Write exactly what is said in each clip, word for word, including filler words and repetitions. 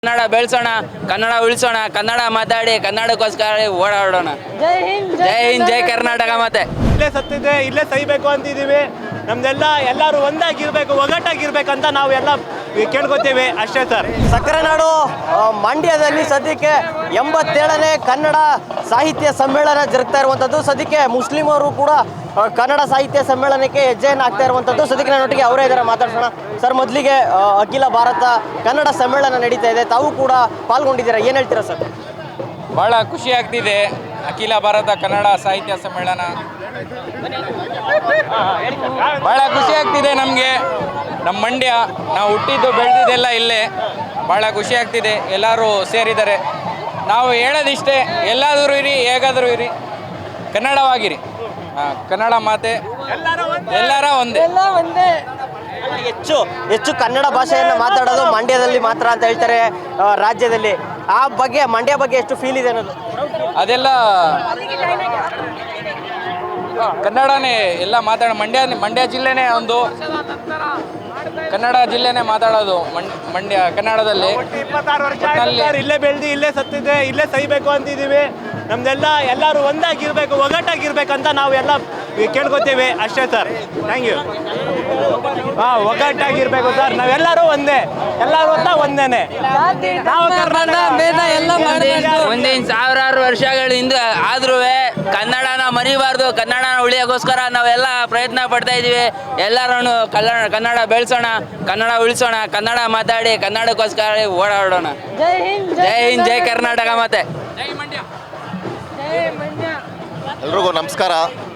ಕನ್ನಡ ಬೆಳೆಸೋಣ, ಕನ್ನಡ ಉಳಿಸೋಣ, ಕನ್ನಡ ಮಾತಾಡಿ ಕನ್ನಡಕ್ಕೋಸ್ಕರ ಓಡಾಡೋಣ. ಜೈ ಹಿಂದ್ ಜೈ ಹಿಂದ್, ಜೈ ಕರ್ನಾಟಕ. ಮತ್ತೆ ಇಲ್ಲೇ ಸತ್ತಿದೆ, ಇಲ್ಲೇ ಸಹಿಬೇಕು ಅಂತಿದ್ದೀವಿ. ನಮ್ದೆಲ್ಲ ಎಲ್ಲರೂ ಒಂದಾಗಿರ್ಬೇಕು, ಒಗ್ಗಟ್ಟಾಗಿರ್ಬೇಕಂತ ನಾವು ಎಲ್ಲ ಕೇಳ್ಕೊತೀವಿ ಅಷ್ಟೇ ಸರ್. ಸಕ್ಕರೆ ನಾಡು ಮಂಡ್ಯದಲ್ಲಿ ಸದ್ಯಕ್ಕೆ ಎಂಬತ್ತೇಳನೇ ಕನ್ನಡ ಸಾಹಿತ್ಯ ಸಮ್ಮೇಳನ ಜರುಗ್ತಾ ಇರುವಂಥದ್ದು. ಸದ್ಯಕ್ಕೆ ಮುಸ್ಲಿಮರು ಕೂಡ ಕನ್ನಡ ಸಾಹಿತ್ಯ ಸಮ್ಮೇಳನಕ್ಕೆ ಹೆಜ್ಜೆಯನ್ನು ಹಾಕ್ತಾ ಇರುವಂಥದ್ದು. ಸದ್ಯಕ್ಕೆ ನನ್ನೊಟ್ಟಿಗೆ ಅವರೇ ಇದ್ದಾರೆ, ಮಾತಾಡ್ಸೋಣ. ಸರ್, ಮೊದಲಿಗೆ ಅಖಿಲ ಭಾರತ ಕನ್ನಡ ಸಮ್ಮೇಳನ ನಡೀತಾ ಇದೆ, ತಾವು ಕೂಡ ಪಾಲ್ಗೊಂಡಿದ್ದೀರಾ, ಏನು ಹೇಳ್ತೀರಾ ಸರ್? ಭಾಳ ಖುಷಿ ಆಗ್ತಿದೆ. ಅಖಿಲ ಭಾರತ ಕನ್ನಡ ಸಾಹಿತ್ಯ ಸಮ್ಮೇಳನ ಭಾಳ ಖುಷಿ ಆಗ್ತಿದೆ ನಮಗೆ. ನಮ್ಮ ಮಂಡ್ಯ, ನಾವು ಹುಟ್ಟಿದ್ದು ಬೆಳೆದಿದ್ದೆಲ್ಲ ಇಲ್ಲೇ. ಭಾಳ ಖುಷಿ ಆಗ್ತಿದೆ, ಎಲ್ಲರೂ ಸೇರಿದ್ದಾರೆ. ನಾವು ಹೇಳೋದಿಷ್ಟೇ, ಎಲ್ಲಾದರೂ ಇರಿ, ಹೇಗಾದರೂ ಇರಿ, ಕನ್ನಡವಾಗಿರಿ. ಹಾಂ, ಕನ್ನಡ ಮಾತೆ ಎಲ್ಲರ ಒಂದೇ. ಎಲ್ಲ ಒಂದೇ. ಹೆಚ್ಚು ಹೆಚ್ಚು ಕನ್ನಡ ಭಾಷೆಯನ್ನು ಮಾತಾಡೋದು ಮಂಡ್ಯದಲ್ಲಿ ಮಾತ್ರ ಅಂತ ಹೇಳ್ತಾರೆ ರಾಜ್ಯದಲ್ಲಿ. ಆ ಬಗ್ಗೆ, ಮಂಡ್ಯ ಬಗ್ಗೆ ಎಷ್ಟು ಫೀಲ್ ಇದೆ ಅನ್ನೋದು? ಅದೆಲ್ಲ ಕನ್ನಡನೇ ಎಲ್ಲ ಮಾತಾಡ ಮಂಡ್ಯ ಮಂಡ್ಯ ಜಿಲ್ಲೆನೇ ಒಂದು ಕನ್ನಡ ಜಿಲ್ಲೆನೇ ಮಾತಾಡೋದು. ಮಂಡ್ಯ ಕನ್ನಡದಲ್ಲಿ ಇಪ್ಪತ್ತಾರು ವರ್ಷ ಆಯ್ತು ಸರ್, ಇಲ್ಲೇ ಬೆಳೆದು ಇಲ್ಲೇ ಸತ್ತಿದೆ, ಇಲ್ಲೇ ಸಹಿಬೇಕು ಅಂತಿದ್ದೀವಿ. ನಮ್ದೆಲ್ಲ ಎಲ್ಲರೂ ಒಂದಾಗಿರ್ಬೇಕು, ಒಗ್ಗಟ್ಟಾಗಿರ್ಬೇಕಂತ ನಾವು ಎಲ್ಲ ಕೇಳ್ಕೊತೀವಿ ಅಷ್ಟೇ ಸರ್. Thank you. ಹಾಂ, ಒಗ್ಗಟ್ಟಾಗಿರ್ಬೇಕು ಸರ್, ನಾವೆಲ್ಲರೂ ಒಂದೇ, ಎಲ್ಲರೂ ಅಂತ ಒಂದೇನೆ. ನಾವು ಕರ್ನಾಟಕ ಭೇದ ಎಲ್ಲ ಮಾಡಬೇಕು. ಮುಂದಿನ ಸಾವಿರಾರು ವರ್ಷಗಳಿಂದ ಆದ್ರೂ ಕನ್ನಡನ ಮರಿಬಾರ್ದು, ಕನ್ನಡನ ಉಳಿಯೋಕ್ಕೋಸ್ಕರ ನಾವೆಲ್ಲ ಪ್ರಯತ್ನ ಪಡ್ತಾ ಇದ್ದೀವಿ. ಎಲ್ಲರೂ ಕನ್ನಡ ಕನ್ನಡ ಬೆಳೆಸೋಣ, ಕನ್ನಡ ಉಳಿಸೋಣ, ಕನ್ನಡ ಮಾತಾಡಿ ಕನ್ನಡಕ್ಕೋಸ್ಕರ ಓಡಾಡೋಣ. ಜೈ ಹಿಂದ್ ಜೈ ಹಿಂದ್, ಜೈ ಕರ್ನಾಟಕ. ಮತ್ತೆ ಜೈ ಮಂಡ್ಯ. ಎಲ್ರಿಗೂ ನಮಸ್ಕಾರ.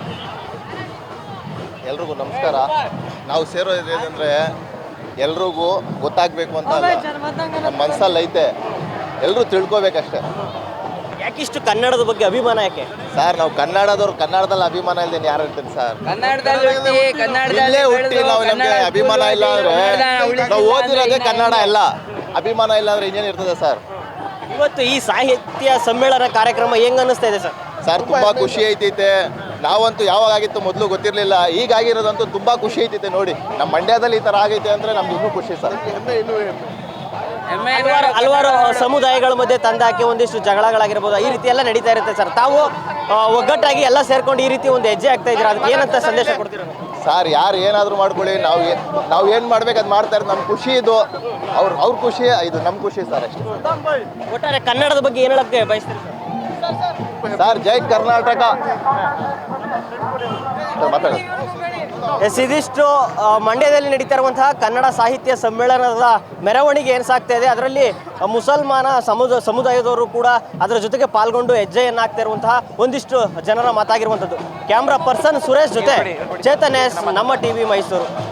ಎಲ್ರಿಗೂ ನಮಸ್ಕಾರ. ನಾವು ಸೇರೋದು ಏನಂದರೆ ಎಲ್ರಿಗೂ ಗೊತ್ತಾಗಬೇಕು ಅಂತ ಅಲ್ಲ, ನಮ್ಮ ಮನಸ್ಸಲ್ಲಿ ಐತೆ, ಎಲ್ಲರೂ ತಿಳ್ಕೊಬೇಕಷ್ಟೆ. ಯಾಕಿಷ್ಟು ಕನ್ನಡದ ಬಗ್ಗೆ ಅಭಿಮಾನ ಯಾಕೆ ಸರ್? ನಾವು ಕನ್ನಡದವ್ರು, ಕನ್ನಡದಲ್ಲಿ ಅಭಿಮಾನ ಇಲ್ದೇನೆ ಯಾರು ಇರ್ತೀನಿ ಸರ್? ಕನ್ನಡದಲ್ಲಿ ಹುಟ್ಟಿ, ಕನ್ನಡದಲ್ಲಿ ಇಲ್ಲೇ ಹುಟ್ಟಿ ನಾವು ನಮಗೆ ಕನ್ನಡ ಅಭಿಮಾನ ಇಲ್ಲ ಅಂದರೆ, ಉಳಿಸಿಲ್ಲ ನಾವು ಅಂದ್ರೆ ಓದಿರೋದೇ ಇನ್ನ ಕನ್ನಡ ಎಲ್ಲ. ಅಭಿಮಾನ ಇಲ್ಲ ಅಂದರೆ ಇನ್ನೇನು ಇರ್ತದೆ ಸರ್? ಇವತ್ತು ಈ ಸಾಹಿತ್ಯ ಸಮ್ಮೇಳನ ಕಾರ್ಯಕ್ರಮ ಹೆಂಗ್ ಅನ್ನಿಸ್ತಾ ಇದೆ ಸರ್? ಸರ್, ತುಂಬ ಖುಷಿ ಐತೈತೆ. ನಾವಂತೂ ಯಾವಾಗ ಆಗಿತ್ತು ಮೊದಲು ಗೊತ್ತಿರಲಿಲ್ಲ, ಈಗಾಗಿರೋದಂತೂ ತುಂಬ ಖುಷಿ ಐತೈತೆ. ನೋಡಿ, ನಮ್ಮ ಮಂಡ್ಯದಲ್ಲಿ ಈ ಥರ ಆಗೈತೆ ಅಂದರೆ ನಮ್ಗೆ ಇನ್ನೂ ಖುಷಿ ಸರ್. ಹೆಮ್ಮೆ ಹಲವಾರು ಹಲವಾರು ಸಮುದಾಯಗಳ ಮಧ್ಯೆ ತಂದಾಕಿ ಒಂದಿಷ್ಟು ಜಗಳಗಳಾಗಿರ್ಬೋದು, ಈ ರೀತಿ ಎಲ್ಲ ನಡೀತಾ ಇರುತ್ತೆ ಸರ್. ತಾವು ಆ, ಒಗ್ಗಟ್ಟಾಗಿ ಎಲ್ಲ ಸೇರ್ಕೊಂಡು ಈ ರೀತಿ ಒಂದು ಹೆಜ್ಜೆ ಆಗ್ತಾ ಇದ್ದೀರಾ, ಅದಕ್ಕೆ ಏನಂತ ಸಂದೇಶ ಕೊಡ್ತೀರಾ? ಸರ್, ಯಾರು ಏನಾದರೂ ಮಾಡ್ಕೊಳ್ಳಿ, ನಾವು ಏ ನಾವು ಏನು ಮಾಡ್ಬೇಕು ಅದು ಮಾಡ್ತಾ ಇರೋದು. ನಮ್ಮ ಖುಷಿ ಇದು, ಅವ್ರ ಅವ್ರ ಖುಷಿ ಇದು, ನಮ್ಮ ಖುಷಿ ಸರ್, ಅಷ್ಟೇ. ಒಟ್ಟಾರೆ ಕನ್ನಡದ ಬಗ್ಗೆ ಏನು ಹೇಳಕ್ಕೆ ಬಯಸ್ತೀರಿ ಸರ್? ಸರ್, ಜೈ ಕರ್ನಾಟಕ. ಸರ್, ಮಾತಾಡಿ. ಎಸ್, ಇದಿಷ್ಟು ಆ, ಮಂಡ್ಯದಲ್ಲಿ ನಡೀತಾ ಇರುವಂತಹ ಕನ್ನಡ ಸಾಹಿತ್ಯ ಸಮ್ಮೇಳನದ ಮೆರವಣಿಗೆ ಏನು ಸಾಗ್ತಾ ಇದೆ, ಅದರಲ್ಲಿ ಮುಸಲ್ಮಾನ ಸಮುದ ಸಮುದಾಯದವರು ಕೂಡ ಅದರ ಜೊತೆಗೆ ಪಾಲ್ಗೊಂಡು ಹೆಜ್ಜೆಯನ್ನು ಹಾಕ್ತಾ ಇರುವಂತಹ ಒಂದಿಷ್ಟು ಜನರ ಮಾತಾಗಿರುವಂಥದ್ದು. ಕ್ಯಾಮ್ರಾ ಪರ್ಸನ್ ಸುರೇಶ್ ಜೊತೆ ಚೇತನ್ ಎಸ್, ನಮ್ಮ ಟಿವಿ ಮೈಸೂರು.